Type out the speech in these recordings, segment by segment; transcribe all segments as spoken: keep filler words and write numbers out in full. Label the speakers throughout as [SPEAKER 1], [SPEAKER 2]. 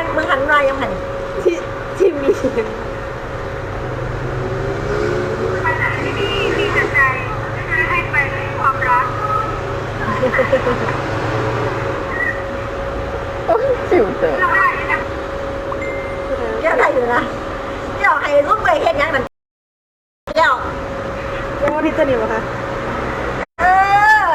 [SPEAKER 1] มึงหันมายังหันที่ที่มีขณะที่พี่มีแต่ใจที่ให้ไปความรัก
[SPEAKER 2] ฟิวเตอร์
[SPEAKER 1] เดี๋ยวอะไรอยู่นะเดี๋ยวให้ลูกไปเห็นยังนั่นเดี๋ยวเดี๋ยวพี่จะหนีวะคะเออ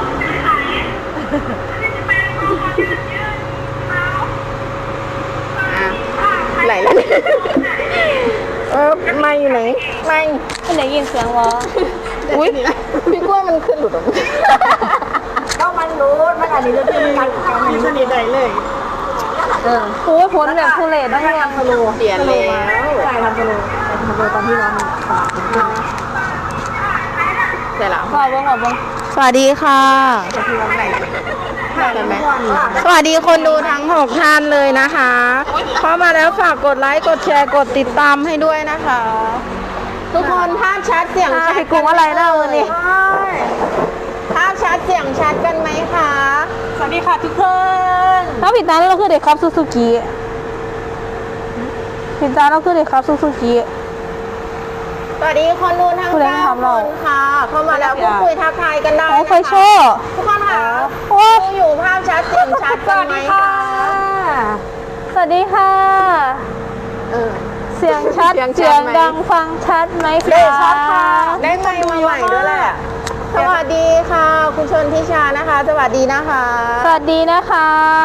[SPEAKER 2] ไหลแล้วเออไม่อยู่ไหนไม่
[SPEAKER 3] ไม่ได้ยินเสียงวะ
[SPEAKER 2] อุ้ยพี่กลัวมันขึ้นหลุดออกมา
[SPEAKER 1] ก็มันรู้มันอันนี้จะเป็นการการมันจะหนีได้เลยเออ
[SPEAKER 3] โอ้ยพ้นแบบทุเรศได้ยัง
[SPEAKER 1] ทะลุ
[SPEAKER 2] เปลี่ยนแล้ว
[SPEAKER 1] ใช่ทำทะลุทำทะลุตอนที่ร้อนตลาด
[SPEAKER 2] ใช่แล้ว
[SPEAKER 3] ขอบคุณขอบคุณ
[SPEAKER 2] สวัสดีค่ะใช่ไหมสวัสดีคนดูทั้งหกท่านเลยนะคะเข้ามาแล้วฝากกดไลค์กดแชร์กดติดตามให้ด้วยนะคะทุกคนภาพชัดเสียงชัด
[SPEAKER 3] กลุ่มอะไรเล่านี่
[SPEAKER 2] ภาพชัดเสียงชัดกันไหมคะ
[SPEAKER 1] สวัสดีค่ะทุกคน
[SPEAKER 3] ถ้าผิดตาเราคือเด็กครับซูซูกิผิดตาเราคือเด็กครับซูซูกิ
[SPEAKER 2] สวัสดีคนดูทั้งเก้าคนค่ะเข้ามาแล้วพูดคุยทักทายกันได้
[SPEAKER 3] นะคะ
[SPEAKER 2] ทุกคนค่ะโอ้อยู่ภาพชัดเสียงชัดกันไหมคะ
[SPEAKER 3] สวัสดีค่ะเสียงชัดเสียงดังฟังชัดไหมคะ
[SPEAKER 2] ได้ชัดค่ะได้ไมค์มาใหม่ด้วยแหละสวัสดีค่ะคุณชนทิชานะคะสวัสดีนะคะ
[SPEAKER 3] สวัสดีนะคะ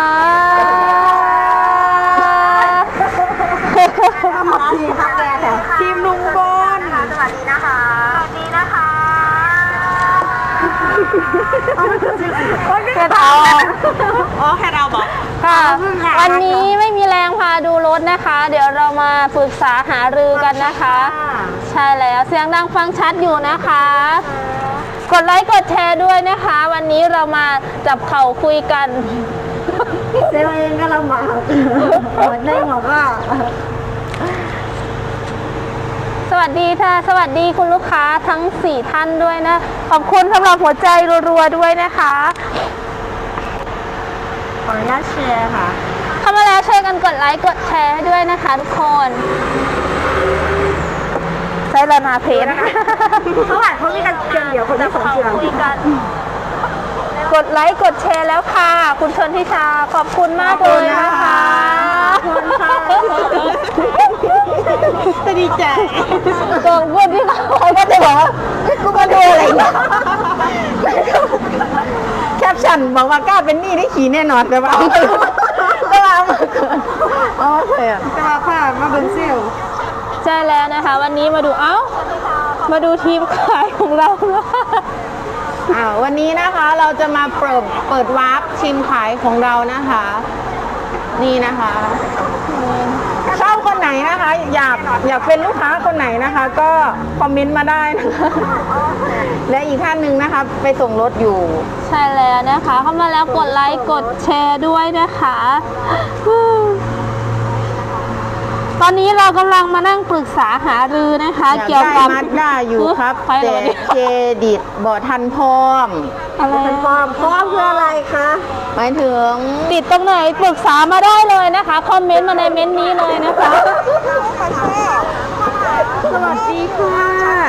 [SPEAKER 1] ทีมทักแกแถว
[SPEAKER 3] ทีมลุงบอล
[SPEAKER 1] สวัสดีนะคะสวัสดีนะคะ
[SPEAKER 3] แค่เรา
[SPEAKER 1] อ๋อแค่เราบอก
[SPEAKER 3] ค่ะวันนี้ไม่มีแรงพาดูรถนะคะเดี๋ยวเรามาปรึกษาหารือกันนะคะใช่แล้วเสียงดังฟังชัดอยู่นะคะกดไลค์กดแชร์ด้วยนะคะวันนี้เรามาจับเข่าคุยกัน
[SPEAKER 1] เซเว่นก็ลำบากได้หมดว่า
[SPEAKER 3] สวัสดีค่ะสวัสดีคุณลูกค้าทั้งสี่ท่านด้วยนะขอบคุณสำหรับหัวใจรัวๆด้วยนะคะ
[SPEAKER 1] ขออนุญาตแชร์ค่ะ
[SPEAKER 3] เข้ามาแล้วช่วยกันกดไลค์กดแชร์ให้ด้วยนะคะทุกคนใช้ระนาเพจ
[SPEAKER 1] เขาอ่านเขามีกันเพียงเดียวคนที่สองเชื่อ
[SPEAKER 3] คุยกันกดไลค์กดแชร์แล้วค่ะคุณชนทิชาขอบคุณมากเลยนะคะ
[SPEAKER 1] ขอบคุณค่ะจะดีใจ
[SPEAKER 3] ตัวพูดที่เขาก็จะบอกว่ากูมาดูอะไรเนี่ย
[SPEAKER 2] แคปชั่นบอกว่ากล้าเป็นหนี้ได้ขี่แน่นอนแต่ว่าแต่ว่ามาเกินอ๋อใช่อ่ะ
[SPEAKER 1] จะมาผ่านมาเป็นเซล
[SPEAKER 3] ใช่แล้วนะคะวันนี้มาดูเอ้ามาดูทีมขายของเรา
[SPEAKER 2] อ่าวันนี้นะคะเราจะมาเปิดเปิดวาร์ปทีมขายของเรานะคะนี่นะคะชอบคนไหนนะคะอยากอยากเป็นลูกค้าคนไหนนะคะ ก็คอมเมนต์มาได้นะคะและอีกท่านหนึ่งนะคะไปส่งรถอยู่
[SPEAKER 3] ใช่แล้วนะคะเข้ามาแล้วกดไลค์กดแชร์ด้วยนะคะตอนนี้เรากำลังมานั่งปรึกษาหารือนะคะเกี่ยวกับ
[SPEAKER 2] มาด้าอยู่ครับแต่เครดิตบ่ทันพร้อม
[SPEAKER 3] อะไร
[SPEAKER 1] พร้อมพร้อมเพื่ออะไรคะ
[SPEAKER 2] หมายถึง
[SPEAKER 3] ติดตรงไหนปรึกษามาได้เลยนะคะคอมเมนต์มาในเม้นต์นี้เลยนะคะ
[SPEAKER 1] สวัสดีค่ะ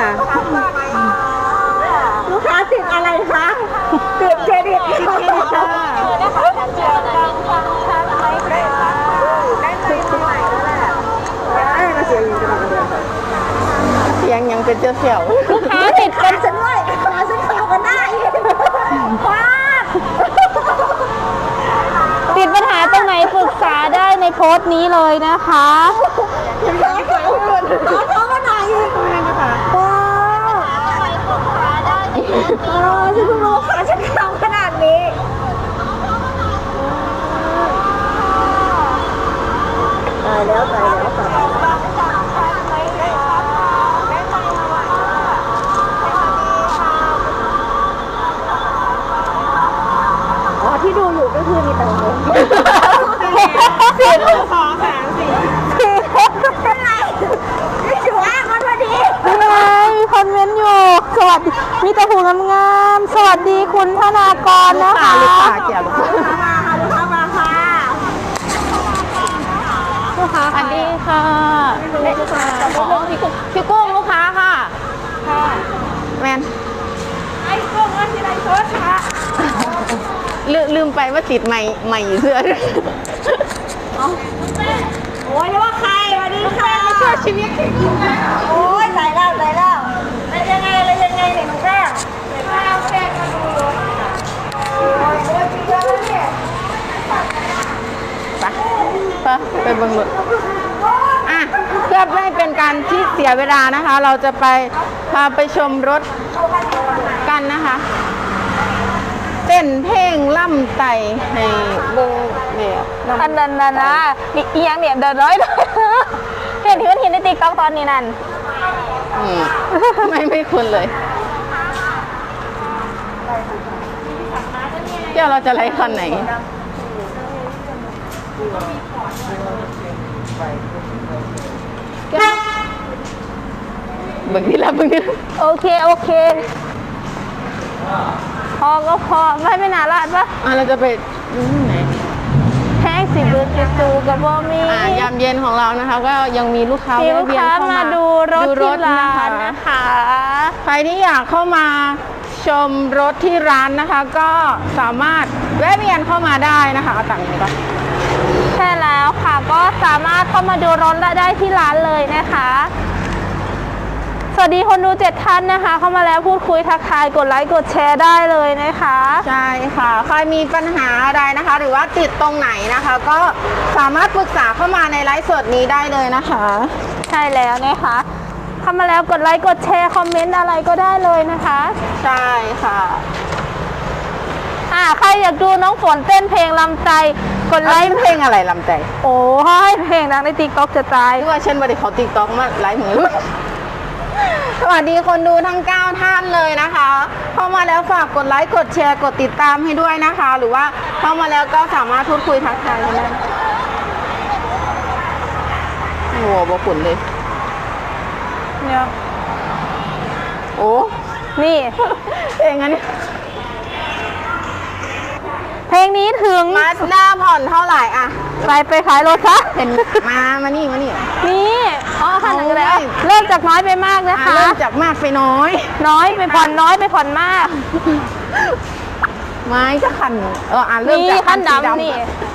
[SPEAKER 1] ลูกค้าติดอะไรคะติดเครดิตติดเครดิตค่ะนะคะเจอดังฟังชัดไหมคะได้ไหมไหนแล้วแหละได้มาเสียงยังจะมาเดิน
[SPEAKER 2] เสียงยังเป็นเจ้าเสี่ยว
[SPEAKER 3] ลูกค้าติดกัน
[SPEAKER 1] ฉันด้วยขาฉันเขียวกันได้ว้า
[SPEAKER 3] ติดปัญหาตรงไหนปรึกษาได้ในโพสต์นี้เลยนะคะ
[SPEAKER 1] ขอโทษมาหน่อยว้าวเออฉันเพิ่งรู้ค่ะฉันทำขนาดนี้ตายแล้วตายแล้วตายแล้วอ๋อที่ดูอยู่ก็คือมีแต่เงินสี่สองสามสี่เป็นไรไม่ถือว่ามันพอดี
[SPEAKER 3] เป็นไงมีคอมเมนต์อยู่สวัสดีมีแต่หูงามๆสวัสดีคุณธนากรนะคะ
[SPEAKER 2] ลูกค้าเกี่ยวลูกค้า
[SPEAKER 1] มาค่ะลูกค้ามาค่ะ
[SPEAKER 3] กค้า
[SPEAKER 2] สวัสดีค่ะอ๋อพี่กุ้งพี่กุ้งลูกค้าค่ะ
[SPEAKER 1] ค่ะ
[SPEAKER 2] แมน
[SPEAKER 1] ไอ้กุ้งว่าที่ไรโทษค่ะ
[SPEAKER 2] ลืมลืมไปว่าติดใหม่ใหม่อยู่เสื้อด้วย
[SPEAKER 1] โอ้ยนึกว่าใครสวัสดีค่ะ
[SPEAKER 2] เสื้อชีวิต
[SPEAKER 1] โอ้ยใส่แล้วใส่แล้วอะไรยังไงอะไรยังไงเนี่ยหนูแม่เดี๋ยวมาเอาแป้งมาดูโอ้ยโอ้ยจริงๆแล้วเนี่ย
[SPEAKER 2] ไปไปไปเบังรถอ่ะเพื่อไม่ให้เป็นการที่เสียเวลานะคะ เราจะไปพาไปชมรถกันนะคะ เต้นเพลงล่ำไต่ให้เบิ่งเนี่ย
[SPEAKER 3] อันนั้นนะนะนี่อีหยังเนี่ยเดินร้อยเลยเห็นที่มันเห็นในติ๊กต็อกตอนนี้นั่น
[SPEAKER 2] อืมไม่ไม่คุ้นเลยเดี๋ยวเราจะไล่คันไหนเบิ่งที่ละเบิ่งที่ละ
[SPEAKER 3] โอเคโอเคพอก็พอไม่ไม่น่ารัดปะ
[SPEAKER 2] อ่ะเราจะไปอืมไหน
[SPEAKER 3] แห้งสิบือจะจูกับบอมี
[SPEAKER 2] อ่ายามเย็นของเรานะคะ ก็ยังมีลูกค้า
[SPEAKER 3] มี
[SPEAKER 2] แวะ
[SPEAKER 3] ลูก
[SPEAKER 2] เวียน
[SPEAKER 3] ค้า
[SPEAKER 2] เข้า
[SPEAKER 3] มา
[SPEAKER 2] มา
[SPEAKER 3] ดูรถที่ร้าน
[SPEAKER 2] นะ
[SPEAKER 3] นะคะ
[SPEAKER 2] ใครที่อยากเข้ามาชมรถที่ร้านนะคะ ก็สามารถแวะเวียนเข้ามาได้นะคะเอาตังค์นี้ก่อน
[SPEAKER 3] ใช่แล้วค่ะก็สามารถเข้ามาดูรถได้ที่ร้านเลยนะคะ สวัสดีคนดูเจ็ดท่านนะคะ เข้ามาแล้วพูดคุยทักทายกดไลค์กดแชร์ได้เลยนะคะ
[SPEAKER 2] ใช่ค่ะใครมีปัญหาอะไรนะคะ หรือว่าติดตรงไหนนะคะ ก็สามารถปรึกษาเข้ามาในไลฟ์สดนี้ได้เลยนะคะ
[SPEAKER 3] ใช่แล้วนะคะเข้ามาแล้วกดไลค์กดแชร์คอมเมนต์อะไรก็ได้เลยนะคะ
[SPEAKER 2] ใช่ค่ะ
[SPEAKER 3] อ่าใครอยากดูน้องฝนเต้นเพลงลำใจกดไล
[SPEAKER 2] ไล
[SPEAKER 3] ค์
[SPEAKER 2] ฟ์เพลงอะไรลำใจ
[SPEAKER 3] โอ้ยเพลงดังในติ๊กต็อกจะตาย
[SPEAKER 2] ที่ว่าเช่นบริเขาติ๊กต็อกมาไลฟ์เหมือน สวัสดีคนดูทั้งเก้าท่านเลยนะคะเข้ามาแล้วฝากกดไลค์กดแชร์กดติดตามให้ด้วยนะคะ หรือว่าเข้ามาแล้วก็สามารถพูดคุยทักทายกันได้โอ้โหบขุนเลย
[SPEAKER 3] เนี่ย
[SPEAKER 2] โอ้
[SPEAKER 3] นี่
[SPEAKER 2] เพลงอันนี้
[SPEAKER 3] เพลงนี้ถึง
[SPEAKER 2] มาสด้าผ่อนเท่าไหร่อะ
[SPEAKER 3] ไปไปขายรถซะ
[SPEAKER 2] เห็นมามานี่มานี่
[SPEAKER 3] นี่อ๋อคันหนึ่งแล้ว
[SPEAKER 2] โอ้ย
[SPEAKER 3] เริ่มจากน้อยไปมากนะ
[SPEAKER 2] อ่ะ
[SPEAKER 3] คะ
[SPEAKER 2] เริ่มจากมากไปน้อย
[SPEAKER 3] น้อยไปผ่อนน้อยไปผ่อนมาก
[SPEAKER 2] ไม้ก็ขันเอออ่ะเริ่ม
[SPEAKER 3] นี่
[SPEAKER 2] จาก
[SPEAKER 3] คัน
[SPEAKER 2] สี
[SPEAKER 3] ดำนี่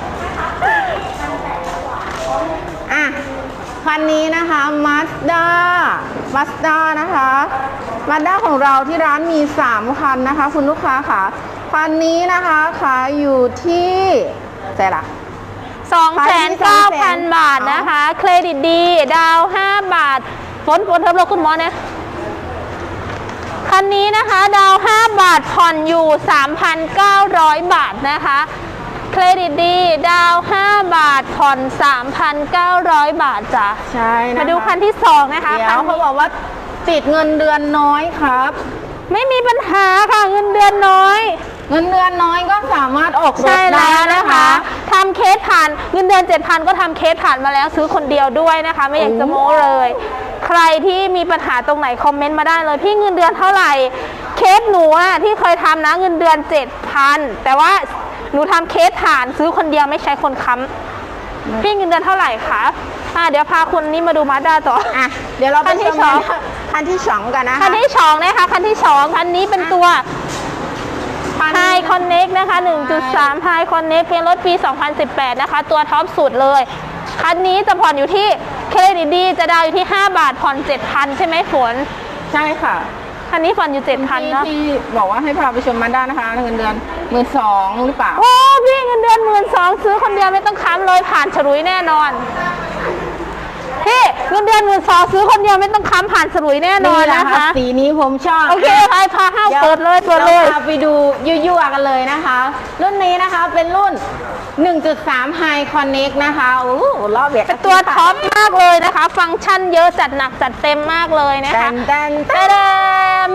[SPEAKER 2] อ่ะคันนี้นะคะมาสด้ามาสด้านะคะมาสด้าของเราที่ร้านมีสามคันนะคะ คุณลูกค้าค่ะคันนี้นะคะขายอยู่ที่ใช่ละ
[SPEAKER 3] สองแสนเก้าพัน บาทนะคะ เครดิตดี ดาวห้าบาทฝนฝนเทิบเราคุณหมอเนี่ยคันนี้นะคะ ดาวห้าบาทผ่อนอยู่ สามพันเก้าร้อย บาทนะคะ เครดิตดี ดาวห้าบาทผ่อน สามพันเก้าร้อย บาทจ้ะ
[SPEAKER 2] ใช่นะคะ
[SPEAKER 3] มาดูคันที่สองนะคะ
[SPEAKER 2] เดี๋ย
[SPEAKER 3] คั
[SPEAKER 2] วน เขา
[SPEAKER 3] นี้
[SPEAKER 2] บอกว่าติดเงินเดือนน้อยครับ
[SPEAKER 3] ไม่มีปัญหาค่ะเงินเดือนน้อย
[SPEAKER 2] เงินเดือนน้อยก็สามารถออกรถ
[SPEAKER 3] ใช่
[SPEAKER 2] ได้
[SPEAKER 3] แล้ว
[SPEAKER 2] นะ
[SPEAKER 3] นะคะ คะทำเคสผ่านเงินเดือน เจ็ดพัน ก็ทำเคสผ่านมาแล้วซื้อคนเดียวด้วยนะคะ ไม่อยากจะโม้เลย ใครที่มีปัญหาตรงไหนคอมเมนต์มาได้เลยพี่เงินเดือนเท่าไหร่เคสหนูอะที่เคยทำนะเงินเดือน เจ็ดพัน แต่ว่าหนูทำเคสผ่านซื้อคนเดียวไม่ใช้คนค้ำพี่เงินเดือนเท่าไหร่คะอ่ะเดี๋ยวพาคุณนี่มาดูมาด้าต่อ
[SPEAKER 2] อ่ะเดี๋ยวเราไป
[SPEAKER 3] คันที่
[SPEAKER 2] ชม
[SPEAKER 3] สอง
[SPEAKER 2] คันที่สองกันนะคะ
[SPEAKER 3] คันที่สองนะคะคันที่สองคันนี้เป็นตัว
[SPEAKER 2] คัน
[SPEAKER 3] ไฮคอนเน็กนะคะ หนึ่งจุดสาม ไฮคอนเน็กเพลงรถปี สองพันสิบแปด นะคะ ตัวท็อปสุดเลย คันนี้จะผ่อนอยู่ที่เครดิตดีจะดาวอยู่ที่ ห้าบาทผ่อน เจ็ดพัน ใช่ไหมฝน
[SPEAKER 2] ใช่ค่ะ
[SPEAKER 3] คันนี้ผ่อนอยู่ เจ็ดพัน เนาะ
[SPEAKER 2] ที่บอกว่าให้พาไปชมมาด้านะคะเงินเดือนหมื่นสองหรือเปล่า
[SPEAKER 3] โอ้พี่เงินเดือนหมื่นสองซื้อคนเดียวไม่ต้องค้ำเลยผ่านฉลุยแน่นอนพี่เงินเดือนหมื่นสองซื้อคนเดียวไม่ต้องค้ำผ่านฉลุยแน่นอนนะคะ
[SPEAKER 2] สีนี้ผมชอบ
[SPEAKER 3] โอเคไปพาห้าว
[SPEAKER 2] ดี๋ว
[SPEAKER 3] เปิดเลยเปิดเลย
[SPEAKER 2] ราพาไปดูยั่วๆกันเลยนะคะ รุ่นนี้นะคะเป็นรุ่น หนึ่งจุดสาม High Connect นะคะโอ้โหรอบเบียด
[SPEAKER 3] เป็นตัวท็อปมากเลยนะคะ ฟังก์ชันเยอะจัดหนักจัดเต็มมากเลยนะ
[SPEAKER 2] แต
[SPEAKER 3] คะ
[SPEAKER 2] นแตนแต
[SPEAKER 3] เต
[SPEAKER 2] น
[SPEAKER 3] ม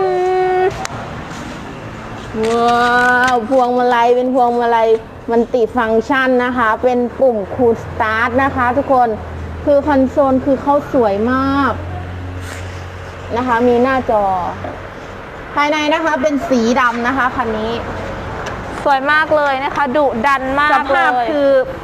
[SPEAKER 2] ว้าวพวงมาลัยเป็นพวงมาลัยมันติฟังก์ชันนะคะ เป็นปุ่มคูลสตาร์ทนะคะ ทุกคนคือคอนโซลคือเขาสวยมากนะคะ มีหน้าจอ ภายในนะคะเป็นสีดำนะคะคันนี้
[SPEAKER 3] สวยมากเลยนะคะดุดันมา
[SPEAKER 2] ส
[SPEAKER 3] กเล
[SPEAKER 2] ภาพ
[SPEAKER 3] ย
[SPEAKER 2] คือ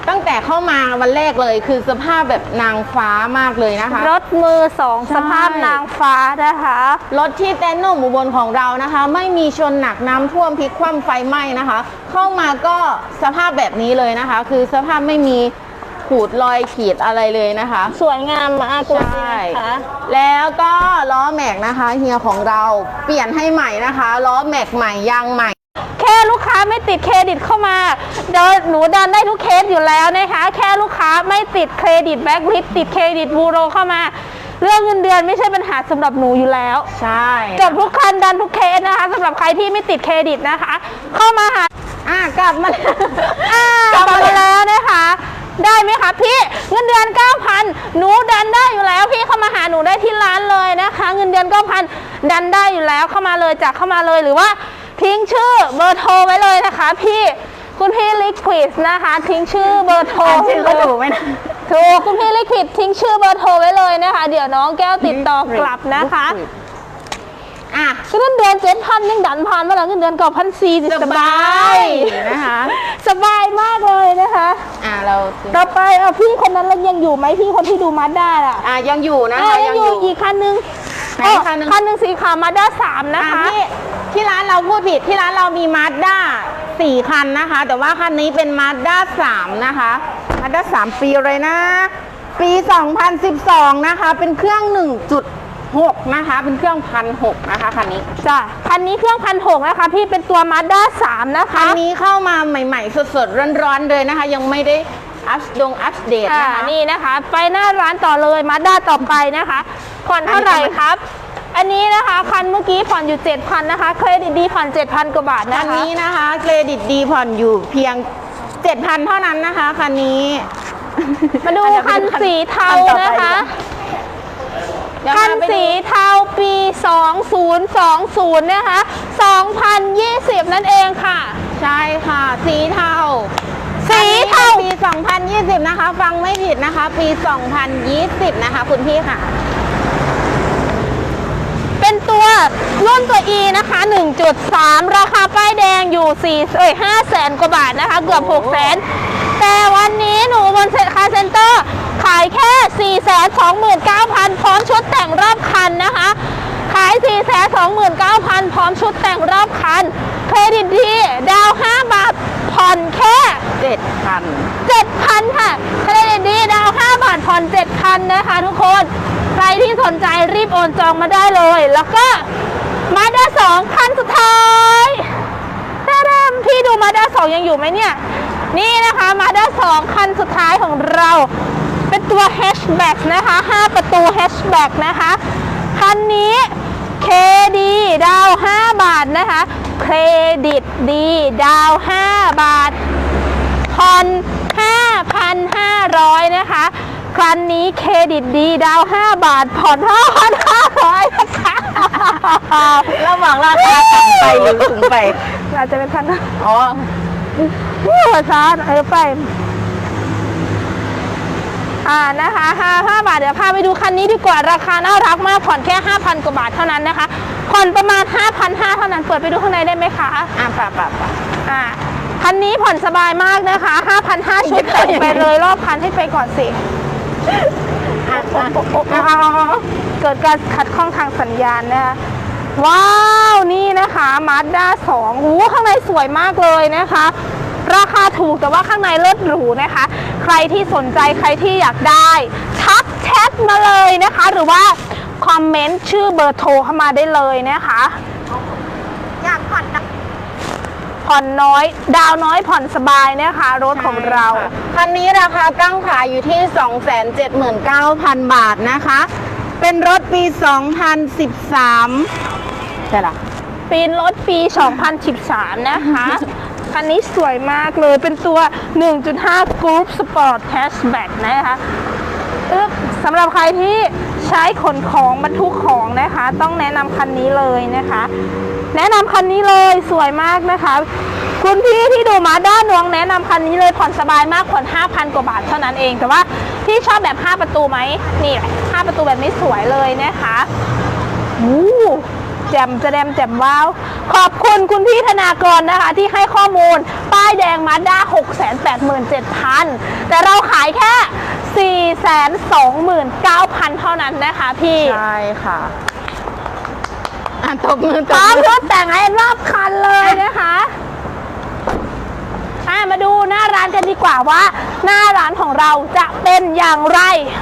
[SPEAKER 2] ตั้งแต่เข้ามาวันแรกเลยคือสภาพแบบนางฟ้ามากเลยนะคะ
[SPEAKER 3] รถมือสอง
[SPEAKER 2] ใช่
[SPEAKER 3] สภาพนางฟ้านะคะ
[SPEAKER 2] รถที่เต็นท์หนุ่มอุบลของเรานะคะ ไม่มีชนหนักน้ำท่วมพลิกคว่ำไฟไหม้นะคะ เข้ามาก็สภาพแบบนี้เลยนะคะ คือสภาพไม่มีขูดรอยขีดอะไรเลยนะคะ
[SPEAKER 3] สวยงามมากเลย
[SPEAKER 2] ใช่
[SPEAKER 3] นะคะ
[SPEAKER 2] แล้วก็ล้อแม็กนะคะเฮียของเราเปลี่ยนให้ใหม่นะคะล้อแม็กใหม่ยางใหม่
[SPEAKER 3] แค่ลูกค้าไม่ติดเครดิตเข้ามาเดินหนูดันได้ทุกเคสอยู่แล้วนะคะ แค่ลูกค้าไม่ติดเครดิตแบ็คลิสติดเครดิตบูโรเข้ามา เรื่องเงินเดือนไม่ใช่ปัญหาสำหรับหนูอยู่แล้ว
[SPEAKER 2] ใช่
[SPEAKER 3] จบทุกคันดันทุกเคสนะคะสำหรับใครที่ไม่ติดเครดิตนะคะ เข้ามาหา
[SPEAKER 2] อ่ะกลับมา
[SPEAKER 3] อ่ากลับมาแล้วนะคะ ได้ไหมคะพี่เงินเดือน เก้าพัน หนูดันได้อยู่แล้วพี่เข้ามาหาหนูได้ที่ร้านเลยนะคะ เงินเดือน เก้าพัน ดันได้อยู่แล้วเข้ามาเลยจากเข้ามาเลยหรือว่าทิ้งชื่อเบอร์โทรไว้เลยนะคะ พี่คุณพี่ลิควิดนะคะทิ้งชื่อเบอร์โทร
[SPEAKER 2] อ่านชื่อเขาถูกไหมนะ
[SPEAKER 3] ถูกคุณพี่ลิควิดทิ้งชื่อเบอร์โทรไว้เลยนะคะ เดี๋ยวน้องแก้วติดต่อกลับนะคะ
[SPEAKER 2] อ่ะ
[SPEAKER 3] เงินเดือนเจ็ดพันยังดันผ่านมาแล้วเงินเดือนเก้าพันสี่
[SPEAKER 2] ส
[SPEAKER 3] ส
[SPEAKER 2] บา
[SPEAKER 3] บาย ย
[SPEAKER 2] นะคะ
[SPEAKER 3] สบายมากเลยนะคะ
[SPEAKER 2] อ่ะเรา
[SPEAKER 3] ต่อไปเอาพี่คนนั้นแล้วยังอยู่ไหมพี่คนที่ดูมาด้าอ่ะ
[SPEAKER 2] อ่ะยังอยู่นะ
[SPEAKER 3] อ่ะ
[SPEAKER 2] คะ
[SPEAKER 3] ยังอยู่อีกคันนึง
[SPEAKER 2] ไหน
[SPEAKER 3] อ๋อ
[SPEAKER 2] คันนึง
[SPEAKER 3] คันหนึ่งสีขาวมาด้าสามนะ
[SPEAKER 2] อ่ะ
[SPEAKER 3] คะ
[SPEAKER 2] ที่ที่ร้านเราพูดผิดที่ร้านเรามีมาสด้าสี่คันนะคะ แต่ว่าคันนี้เป็นมาสด้าสามนะคะมาสด้าสามปีเลยนะ ปีสองพันสิบสองนะคะ เป็นเครื่อง หนึ่งจุดหก นะคะ เป็นเครื่องพันหกนะคะคันนี้
[SPEAKER 3] จ้ะคันนี้เครื่องพันหกนะคะ พี่เป็นตัวมาด้าสามนะ
[SPEAKER 2] คั
[SPEAKER 3] คะ
[SPEAKER 2] นนี้เข้ามาใหม่ๆ สดๆ ร้อนๆเลยนะคะ ยังไม่ได้อัปดงอัปเดต
[SPEAKER 3] อ่า
[SPEAKER 2] นะคะ
[SPEAKER 3] นี่นะคะ ไปหน้าร้านต่อเลยมาด้าต่อไปนะคะผ่อนเท่าไหร่ครับ อันนี้นะคะคันเมื่อกี้ผ่อนอยู่ เจ็ดพัน นะคะเครดิตดีผ่อน เจ็ดพัน กว่าบาท
[SPEAKER 2] คั
[SPEAKER 3] นะ
[SPEAKER 2] น
[SPEAKER 3] คะ
[SPEAKER 2] นี้นะคะเครดิตดีผ่อนอยู่เพียง เจ็ดพัน เท่านั้นนะคะคันนี้
[SPEAKER 3] มาดูคันสีเทานะคะ
[SPEAKER 2] เดี๋ยว
[SPEAKER 3] คัน
[SPEAKER 2] พาไปดู
[SPEAKER 3] สีเทาปี สองพันยี่สิบ นะคะ สองพันยี่สิบ นั่นเองค่ะ
[SPEAKER 2] ใช่ค่ะ สีเทา
[SPEAKER 3] สีเทา
[SPEAKER 2] ปี สองพันยี่สิบ นะคะ ฟังไม่ผิดนะคะ ปี สองพันยี่สิบ นะคะคุณพี่ค่ะ
[SPEAKER 3] เป็นตัวรุ่นตัว E นะคะ หนึ่งจุดสาม ราคาป้ายแดงอยู่สี่เอ้ยห้าแสนกว่าบาทนะคะ เกือบหกแสนแต่วันนี้หนูบนเซ็ตคาร์เซ็นเตอร์ขายแค่ สี่แสนสองหมื่นเก้าพัน พร้อมชุดแต่งรอบคันนะคะ ขาย สี่แสนสองหมื่นเก้าพัน พร้อมชุดแต่งรอบคัน เครดิตดี ดาวห้าบาท ผ่อนแค่
[SPEAKER 2] เจ็ดพัน
[SPEAKER 3] เจ็ดพัน ค่ะเครดิตดีดาวห้าบาทผ่อน เจ็ดพัน นะคะทุกคน ใครที่สนใจรีบโอนจองมาได้เลย แล้วก็มาด้าสองคันสุดท้ายแท้ๆพี่ดูมาด้าสองยังอยู่ไหมเนี่ย นี่นะคะมาด้าสองคันสุดท้ายของเรา เป็นตัว แฮชแบ็ก นะคะ ห้า ประตู แฮชแบ็ก นะคะ คันนี้เคดีดาวห้าบาทนะคะ เครดิตดีดาวห้าบาท ผ่อน ห้าพันห้าร้อย นะคะ คันนี้เครดิตดีดาวห้าบาท ผ่อน ห้าพันห้าร้อย นะคะ
[SPEAKER 2] ระหว่างราคาต่ำไปหรือสูงไป
[SPEAKER 3] อาจจะเป็นคันนะ
[SPEAKER 2] อ๋อ
[SPEAKER 3] หัวซาดเออไป อ่านะคะห้า ห้าบาท เดี๋ยวพาไปดูคันนี้ดีกว่า ราคาน่ารักมาก ผ่อนแค่ ห้าพัน กว่าบาทเท่านั้นนะคะ ผ่อนประมาณ ห้าพันห้าร้อย เท่านั้น เปิดไปดูข้างในได้ไหมคะ
[SPEAKER 2] อ่ะป่ะป่ะป่ะ
[SPEAKER 3] อ่า คันนี้ผ่อนสบายมากนะคะ ห้าพันห้าร้อย ชุดแต่งไปเลยรอบคันให้ไปก่อนสิ
[SPEAKER 2] อ่ะอ่ะ
[SPEAKER 3] เกิดการขัดข้องทางสัญญาณนะคะ ว้าว นี่นะคะมาด้าสองโอ้โหข้างในสวยมากเลยนะคะ ราคาถูกแต่ว่าข้างในเลิศหรูนะคะ ใครที่สนใจใครที่อยากได้ทักแชทมาเลยนะคะ หรือว่าคอมเมนต์ชื่อเบอร์โทรเข้ามาได้เลยนะคะ
[SPEAKER 2] อยากผ่อนนะ
[SPEAKER 3] ผ่อนน้อย ดาวน้อยผ่อนสบายนะคะ รถของเรา
[SPEAKER 2] คันนี้ราคาตั้งขายอยู่ที่ สองแสนเจ็ดหมื่นเก้าพัน บาทนะคะ เป็นรถปี สองพันสิบสามใช่หรอ
[SPEAKER 3] ปีนรถปี สองพันสิบสาม นะคะ คันนี้สวยมากเลย เป็นตัว หนึ่งจุดห้า Group Sport Hatchback นะคะอึ๊บสำหรับใครที่ใช้ขนของบรรทุกของนะคะ ต้องแนะนำคันนี้เลยนะคะ แนะนำคันนี้เลยสวยมากนะคะ คุณพี่ที่ดูมาด้านนวงแนะนำคันนี้เลยผ่อนสบายมากผ่อน ห้าพัน กว่าบาทเท่านั้นเอง แต่ว่าพี่ชอบแบบ ห้า ประตูไหมนี่แหละห้าประตูแบบนี้สวยเลยนะคะอู้แจ่มแจมแจ่มว้าวขอบคุณคุณพี่ธนากรนะคะที่ให้ข้อมูลป้ายแดงมาด้า หกแสนแปดหมื่นเจ็ดพัน แต่เราขายแค่ สี่แสนสองหมื่นเก้าพัน เท่านั้นนะคะพี่
[SPEAKER 2] ใช่ค่ะอ่ะตบมือ
[SPEAKER 3] พ
[SPEAKER 2] ต
[SPEAKER 3] ร้
[SPEAKER 2] บ
[SPEAKER 3] อม
[SPEAKER 2] มื
[SPEAKER 3] ร
[SPEAKER 2] อ
[SPEAKER 3] ถแต่งให้รอบคันเลยนะคะอ่ะมาดูหน้าร้านกันดีกว่าว่า หน้าร้านของเราจะเป็นอย่างไร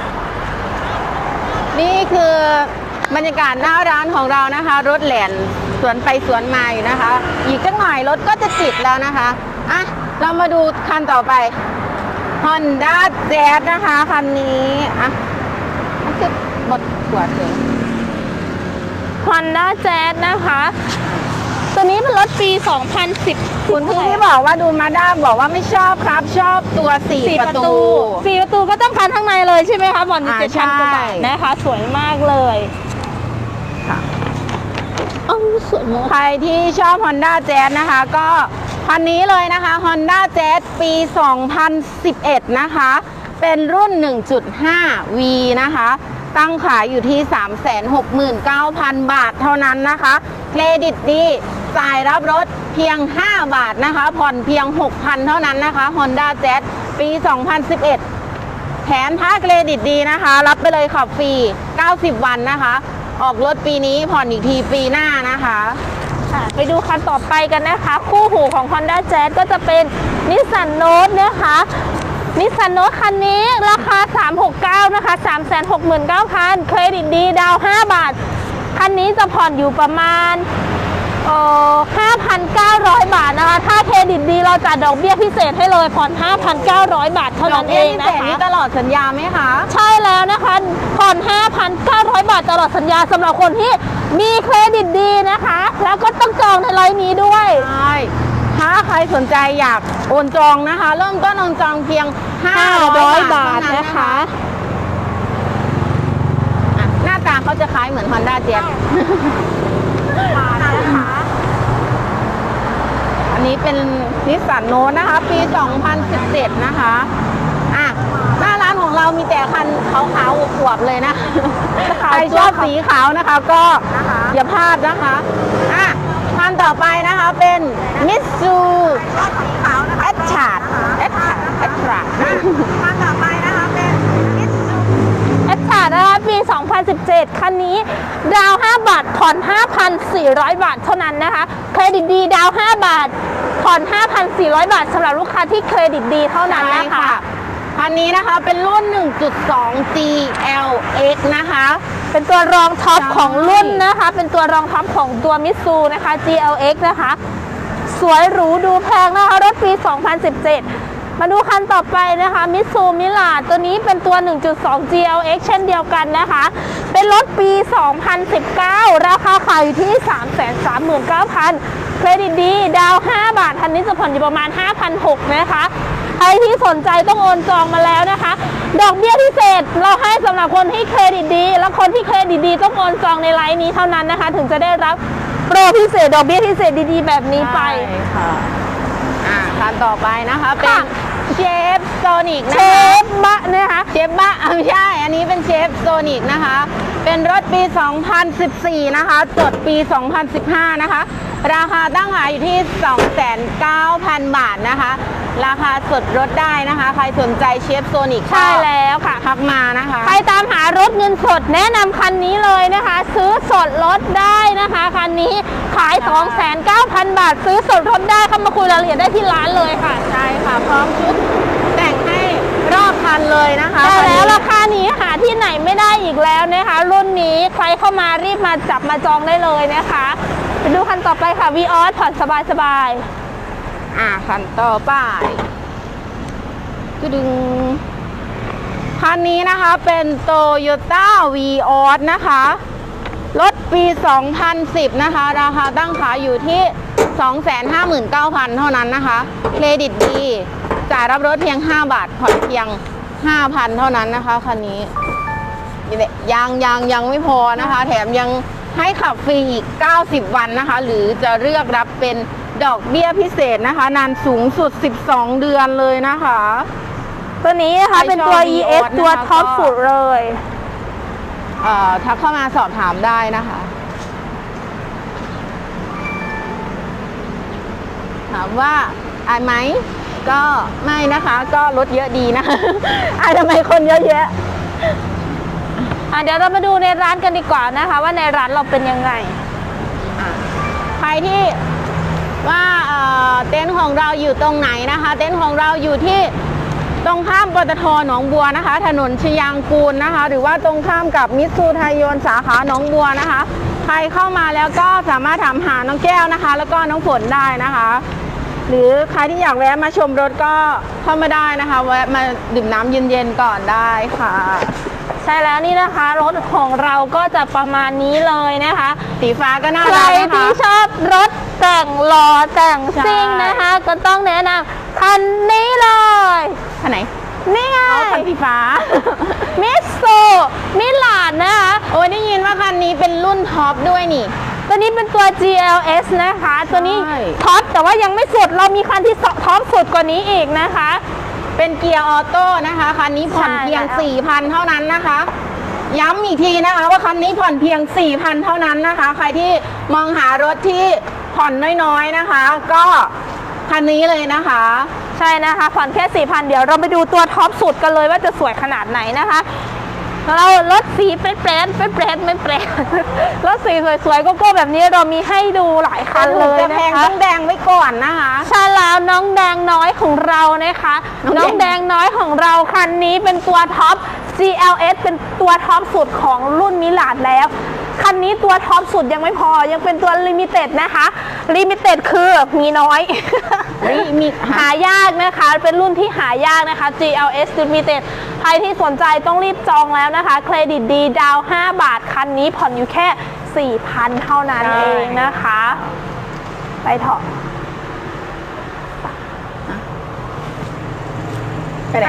[SPEAKER 2] นี่คือบรรยากาศหน้าร้านของเรานะคะ รถแหลนสวนไปสวนมาอยู่นะคะ อีกสักหน่อยรถก็จะติดแล้วนะคะอ่ะเรามาดูคันต่อไป Honda Jazz นะคะคันนี้อ่ะมันคือบทขวดเลย
[SPEAKER 3] Honda Jazz นะคะ ตัวนี้เป็นรถปี สองพันสิบ
[SPEAKER 2] คุณพี่ที่บอกว่าดูมาด้าบอกว่าไม่ชอบครับ ชอบตัวสี่
[SPEAKER 3] สี่
[SPEAKER 2] ป
[SPEAKER 3] ประ ระ
[SPEAKER 2] ตู
[SPEAKER 3] ตูสี่ประตูก็ต้องคันข้างในเลยใช่ไหมคะบอล
[SPEAKER 2] อ่า
[SPEAKER 3] เจ็ดพันกว่าบาท
[SPEAKER 2] ใช่
[SPEAKER 3] นะคะ สวยมากเลย
[SPEAKER 2] ค่ะ
[SPEAKER 3] อ้าวสวยมาก
[SPEAKER 2] ใครที่ชอบ Honda Jazz นะคะก็คันนี้เลยนะคะ Honda Jazz ปี สองพันสิบเอ็ด นะคะ เป็นรุ่น หนึ่งจุดห้า วี นะคะ ตั้งขายอยู่ที่ สามแสนหกหมื่นเก้าพัน บาทเท่านั้นนะคะ เครดิตดีจ่ายรับรถเพียง ห้า บาทนะคะ ผ่อนเพียง หกพัน เท่านั้นนะคะ Honda Jazz ปี สองพันสิบเอ็ด แถมถ้าเครดิตดีนะคะ รับไปเลยขับฟรี เก้าสิบ วันนะคะ ออกรถปีนี้ผ่อนอีกทีปีหน้านะคะ
[SPEAKER 3] ค่ะไปดูคันต่อไปกันนะคะ คู่หูของ Honda Jazz ก็จะเป็น Nissan Note นะคะนิสสันโนตคันนี้ราคา สามหกเก้า นะคะ สามแสนหกหมื่นเก้าพัน เครดิตดีดาวน์ห้า บาท คันนี้จะผ่อนอยู่ประมาณเอ่อ ห้าพันเก้าร้อย บาทนะคะ ถ้าเครดิตดีเราจัดดอกเบี้ยพิเศษให้เลยผ่อน ห้าพันเก้าร้อย บาทเท่านั้นเองนะ
[SPEAKER 2] ดกบี้พิศษ
[SPEAKER 3] คะ
[SPEAKER 2] นี่ตลอดสัญญาไหมคะ
[SPEAKER 3] ใช่แล้วนะคะผ่อน ห้าพันเก้าร้อย บาทตลอดสัญญาสำหรับคนที่มีเครดิตดีนะคะ แล้วก็ต้องจองในไลน์นี้ด้วย
[SPEAKER 2] ใช่ ถ้าใครสนใจอยากโอนจองนะคะ เริ่มต้นโอนจองเพียง ห้าร้อย บาท
[SPEAKER 3] นะ
[SPEAKER 2] นะคะ คะอ่ะหน้าตาเขาจะคล้ายเหมือน Honda Jazz อันนี้เป็นนิสสันโนตนะคะ ปี สองพันสิบเจ็ด นะคะอ่ะหน้าร้านของเรามีแต่คันขาวๆอวบๆเลยนะ ใครชอบสีขาวนะคะก็อย่าพลาดนะคะอ่ะคันต่อไปนะคะเป็นมิตซูแอดชาร์ดแอดชาร์ดแอดชาร์ดคันต่อไปนะคะเป็นมิตซู
[SPEAKER 3] แอดชาร์ดนะคะปี สองพันสิบเจ็ด คันนี้ดาวน์ห้า บาทผ่อน ห้าพันสี่ร้อย บาทเท่านั้นนะคะ เครดิตดีดาวน์ห้า บาทผ่อน ห้าพันสี่ร้อย บาทสำหรับลูกค้าที่เครดิตดีเท่านั้นนะคะ
[SPEAKER 2] คันนี้นะคะเป็นรุ่น หนึ่งจุดสอง จี แอล เอ็กซ์ นะคะ
[SPEAKER 3] เป็นตัวรองท็อป
[SPEAKER 2] ใช่
[SPEAKER 3] ของรุ่นนะคะ เป็นตัวรองท็อปของตัวมิตซูนะคะ จี แอล เอ็กซ์ นะคะ สวยหรูดูแพงนะคะ รถปี สองพันสิบเจ็ด มาดูคันต่อไปนะคะมิตซูมิลาดตัวนี้เป็นตัว หนึ่งจุดสอง จี แอล เอ็กซ์ เช่นเดียวกันนะคะ เป็นรถปี สองพันสิบเก้า ราคาขายอยู่ที่ สามแสนสามหมื่นเก้าพัน เครดิตดีดาวน์ห้า บาทคันนี้จะผ่อนอยู่ประมาณ ห้าพันหกร้อย นะคะ ใครที่สนใจต้องโอนจองมาแล้วนะคะ ดอกเบี้ยพิเศษเราให้สำหรับคนที่เครดิตดี และคนที่เครดิตดีต้องโอนจองในไลน์นี้เท่านั้นนะคะ ถึงจะได้รับโปรพิเศษดอกเบี้ยพิเศษดีๆแบบนี้ไป
[SPEAKER 2] ใช่ค่ะอ่ะคันต่อไปนะคะเป็น
[SPEAKER 3] ค่ะ
[SPEAKER 2] เชฟโซนิก
[SPEAKER 3] เช
[SPEAKER 2] นะคะ
[SPEAKER 3] ฟบะนะคะ
[SPEAKER 2] เชฟบ้าอ่ะไม่ใช่ อันนี้เป็นเชฟโซนิกนะคะ เป็นรถปี สองพันสิบสี่ นะคะ จดปี สองพันสิบห้า นะคะ ราคาตั้งขายอยู่ที่ สองแสนเก้าพัน บาทนะคะ ราคาสดรถได้นะคะ ใครสนใจเชฟโซนิก
[SPEAKER 3] ใช่แล้วค่ะ
[SPEAKER 2] ทักมานะคะ
[SPEAKER 3] ใครตามหารถเงินสดแนะนำคันนี้เลยนะคะ ซื้อสดรถได้นะคะคันนี้ขาย สองแสนเก้าพัน บาท ซื้อสดรถได้เข้ามาคุยรายละเอียดได้ที่ร้านเลยค่ะ
[SPEAKER 2] ใช่ค่ะ พร้อมชุดแต่งให้รอบคันเลยนะคะ
[SPEAKER 3] ใช่แล้ว
[SPEAKER 2] คันนี้
[SPEAKER 3] ราคานี้หาที่ไหนไม่ได้อีกแล้วนะคะ รุ่นนี้ใครเข้ามารีบมาจับมาจองได้เลยนะคะไปดูคันต่อไปค่ะวีออสผ่อนสบาย
[SPEAKER 2] อ่ะคันต่อไปก็ดึงคันนี้นะคะเป็น Toyota Vios นะคะ รถปี สองพันสิบ นะคะ ราคาตั้งขายอยู่ที่ สองแสนห้าหมื่นเก้าพัน เท่านั้นนะคะ เครดิตดี จ่ายรับรถเพียง ห้า บาท ผ่อนเพียง ห้าพัน เท่านั้นนะคะ คันนี้นี่แหละยังยังยังไม่พอนะคะ แถมยังให้ขับฟรีอีก เก้าสิบ วันนะคะ หรือจะเลือกรับเป็นดอกเบี้ยพิเศษนะคะ นานสูงสุด สิบสอง เดือนเลยนะคะ
[SPEAKER 3] ๆตัวนี้นะคะเป็นตัว
[SPEAKER 2] ใครชอบ
[SPEAKER 3] อี เอส
[SPEAKER 2] Vios
[SPEAKER 3] ตัว
[SPEAKER 2] นะคะ
[SPEAKER 3] ท็อป
[SPEAKER 2] ก็
[SPEAKER 3] สุดเลย
[SPEAKER 2] เอ่อทักเข้ามาสอบถามได้นะคะถามว่าอายไหมก็ไม่นะคะ ก็รถเยอะดีนะ อายทำไมคนเยอะแยะ
[SPEAKER 3] อ่ะเดี๋ยวเรามาดูในร้านกันดีกว่านะคะ ว่าในร้านเราเป็นยังไง
[SPEAKER 2] ใครที่ว่าเอ่อเต็นท์ของเราอยู่ตรงไหนนะคะ เต็นท์ของเราอยู่ที่ตรงข้ามปตทหนองบัวนะคะ ถนนชยางกูลนะคะ หรือว่าตรงข้ามกับมิตซูไทยยนต์สาขาหนองบัวนะคะ ใครเข้ามาแล้วก็สามารถถามหาน้องแก้วนะคะ แล้วก็น้องฝนได้นะคะ หรือใครที่อยากแวะมาชมรถก็เข้ามาได้นะคะแวะมาดื่มน้ำเย็นๆก่อนได้ค่ะ
[SPEAKER 3] ใช่แล้วนี่นะคะ รถของเราก็จะประมาณนี้เลยนะคะ
[SPEAKER 2] สีฟ้าก็น่า
[SPEAKER 3] ใคร
[SPEAKER 2] รักนะคะ
[SPEAKER 3] ที่ชอบรถแต่งหล่อแต่งซิ่ง
[SPEAKER 2] ใช่
[SPEAKER 3] นะคะ ก็ต้องแนะนำคันนี้เลย
[SPEAKER 2] คันไหน
[SPEAKER 3] นี่ไง
[SPEAKER 2] เอาคันสีฟ้า
[SPEAKER 3] มิสซูมิลานนะคะ
[SPEAKER 2] โอ้ยได้ยินว่าคันนี้เป็นรุ่นท็อปด้วยนี่
[SPEAKER 3] ตัวนี้เป็นตัว จี แอล เอส นะคะ ตัวนี้
[SPEAKER 2] ใช่
[SPEAKER 3] ท็อปแต่ว่ายังไม่สุดเรามีคันที่ท็อปสุดกว่านี้อีกนะคะ
[SPEAKER 2] เป็นเกียร์ออโต้นะคะคันนี้ผ่อน
[SPEAKER 3] ใช่
[SPEAKER 2] เพียง
[SPEAKER 3] แล้ว
[SPEAKER 2] สี่พัน เท่านั้นนะคะ ย้ำอีกทีนะคะว่าคันนี้ผ่อนเพียง สี่พัน เท่านั้นนะคะ ใครที่มองหารถที่ผ่อนน้อยๆนะคะ ก็คันนี้เลยนะคะ
[SPEAKER 3] ใช่นะคะผ่อนแค่ สี่พัน เดี๋ยวเราไปดูตัวท็อปสุดกันเลยว่าจะสวยขนาดไหนนะคะเรารถสีเป็นแปรนเป็นแปรนเป็นแปรนรถสีสวยๆโกโก้แบบนี้เรามีให้ดูหลายคันเลย
[SPEAKER 2] จะ
[SPEAKER 3] นะ
[SPEAKER 2] แพง
[SPEAKER 3] คะ
[SPEAKER 2] ต้องแดงไว้ก่อนนะคะ
[SPEAKER 3] ใช่แล้วน้องแดงน้อยของเรานะคะ
[SPEAKER 2] น้
[SPEAKER 3] น้
[SPEAKER 2] อ
[SPEAKER 3] อง ง
[SPEAKER 2] แด
[SPEAKER 3] แด
[SPEAKER 2] ง
[SPEAKER 3] งน้อยของเราคันนี้เป็นตัวท็อป จี แอล เอส เป็นตัวท็อปสุดของรุ่นมิลานแล้วคันนี้ตัวท็อปสุดยังไม่พอยังเป็นตัวลิมิเต็ดนะคะลิมิเต็ดคือมีน้อย
[SPEAKER 2] นี่มี
[SPEAKER 3] หายากนะคะ เป็นรุ่นที่หายากนะคะ จี แอล เอส Limited ใครที่สนใจต้องรีบจองแล้วนะคะ เครดิตดีดาวน์ห้าบาท คันนี้ผ่อนอยู่แค่ สี่พัน เท่านั้นเองนะคะ ไปเถอะ
[SPEAKER 2] ไปไหน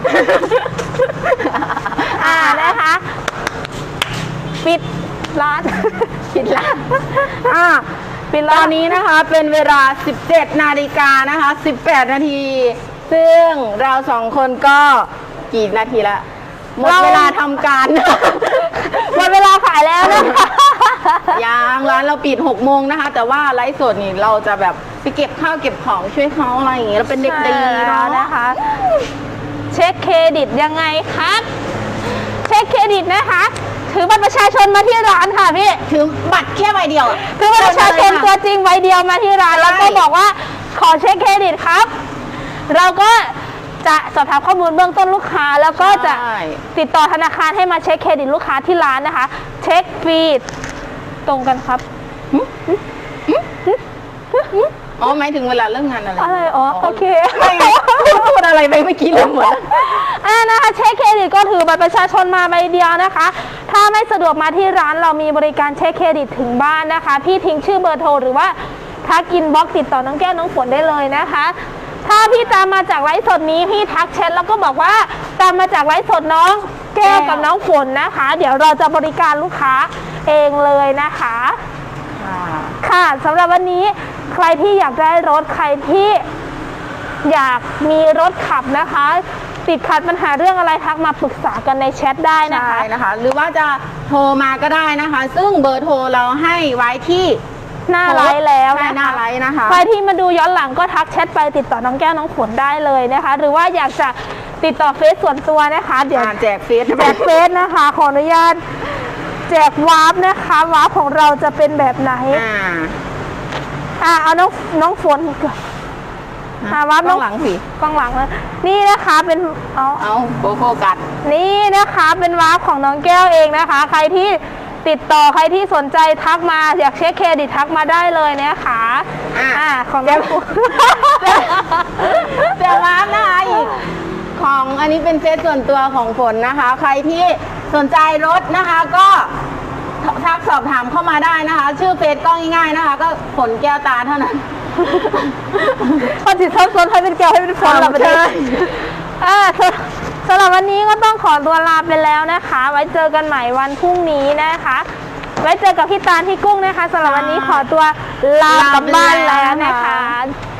[SPEAKER 3] อ่านะคะ ปิดร้าน
[SPEAKER 2] ผิดละ
[SPEAKER 3] อ่าปิด
[SPEAKER 2] ต
[SPEAKER 3] ร้า
[SPEAKER 2] อน นนี้นะคะเป็นเวลา สิบเจ็ด นาฬิกานะคะ สิบแปด นาที ซึ่งเราสองคนก็กี่นาทีละหมดเวลาทำการ
[SPEAKER 3] หมดเวลาขายแล้วนะคะ
[SPEAKER 2] ยังร้านเราปิดหกโมงนะคะ แต่ว่าไลฟ์สดนี่เราจะแบบไปเก็บข้าวเก็บของช่วยเขาอะไรอย่างเงี้ยเราเป็นเด็กดี
[SPEAKER 3] ใช่แล้
[SPEAKER 2] เนาะ
[SPEAKER 3] วนะคะ เช็คเครดิตยังไงครับ เช็คเครดิตนะคะ ถือบัตรประชาชนมาที่ร้านค่ะพี่
[SPEAKER 2] ถือบัตรแค่ใบเดียวอะ
[SPEAKER 3] ถือบัตรประชาชนตัวจริงใบเดียวมาที่ร้าน
[SPEAKER 2] ใช่
[SPEAKER 3] แล้วก็บอกว่าขอเช็คเครดิตครับ เราก็จะสอบถามข้อมูลเบื้องต้นลูกค้า แล้วก็จะ
[SPEAKER 2] ใช่
[SPEAKER 3] ติดต่อธนาคารให้มาเช็คเครดิตลูกค้าที่ร้านนะคะ เช็คฟรีตรงกันครับ
[SPEAKER 2] อ๋อหมายถึงเวลาเริ่มงานอะไร
[SPEAKER 3] อะไรอ๋อโอเค
[SPEAKER 2] ไม่ไงพูดอะไรไปเมื่อกี้ลืมหมดแล้ว
[SPEAKER 3] อ่านะคะเช็คเครดิตก็ถือบัตรประชาชนมาใบเดียวนะคะ ถ้าไม่สะดวกมาที่ร้านเรามีบริการเช็คเครดิตถึงบ้านนะคะ พี่ทิ้งชื่อเบอร์โทรหรือว่าทักอินบ็อกซ์ติดต่อน้องแก้วน้องฝนได้เลยนะคะ ถ้าพี่ตามมาจากไลฟ์สดนี้พี่ทักแชทแล้วก็บอกว่าตามมาจากไลฟ์สดน้องแก้วกับน้องฝนนะคะ เดี๋ยวเราจะบริการลูกค้าเองเลยนะคะ ค่ะสำหรับวันนี้ใครที่อยากได้รถใครที่อยากมีรถขับนะคะ ติดขัดปัญหาเรื่องอะไรทักมาปรึกษากันในแชทได้นะคะ
[SPEAKER 2] ใช่นะคะ หรือว่าจะโทรมาก็ได้นะคะ ซึ่งเบอร์โทรเราให้ไว้ที่
[SPEAKER 3] หน้าไลฟ์แล้ว
[SPEAKER 2] ใช่
[SPEAKER 3] นะ
[SPEAKER 2] หน้า
[SPEAKER 3] คะ
[SPEAKER 2] ไลฟ์นะคะ
[SPEAKER 3] ใครที่มาดูย้อนหลังก็ทักแชทไปติดต่อน้องแก้วน้องฝนได้เลยนะคะ หรือว่าอยากจะติดต่อเฟซส่วนตัวนะคะ เดี๋ยว
[SPEAKER 2] อ่าแจกเฟซ
[SPEAKER 3] แจกเฟซนะคะขออนุญาตแจกวาร์ปนะคะวาร์ปของเราจะเป็นแบบไหน
[SPEAKER 2] อ่า
[SPEAKER 3] อ่าเอาน้องน้องฝนก่อนอ่าวาร์ปน้อง
[SPEAKER 2] หลังสิ
[SPEAKER 3] กล้องหลังเลยนี่นะคะเป็นเอา
[SPEAKER 2] เอาโบโฟกัส
[SPEAKER 3] นี่นะคะเป็นวาร์ปของน้องแก้วเองนะคะ ใครที่ติดต่อใครที่สนใจทักมาอยากเช็คเครดิตทักมาได้เลยนะคะ
[SPEAKER 2] อ่ะ
[SPEAKER 3] อ่าของน้องฝน
[SPEAKER 2] เดี๋ยวร้านนะคะอีกของอันนี้เป็นเฟซส่วนตัวของฝนนะคะ ใครที่สนใจรถนะคะก็ทักสอบถามเข้ามาได้นะคะ ชื่อเฟซก็ง่ายๆนะคะ ก็ฝนแก้วตาเท่านั้น
[SPEAKER 3] คนจิตทับซ้อนให้เป็นแก้วให้เป็นฝนหลับไปเล
[SPEAKER 2] ใช่
[SPEAKER 3] ยอ่าสำหรับวันนี้ก็ต้องขอตัวลาไปแล้วนะคะ ไว้เจอกันใหม่วันพรุ่งนี้นะคะ ไว้เจอกับพี่ตาลพี่กุ้งนะคะสำหรับวันนี้ขอตัวลากลับบ้านแล้วนะคะ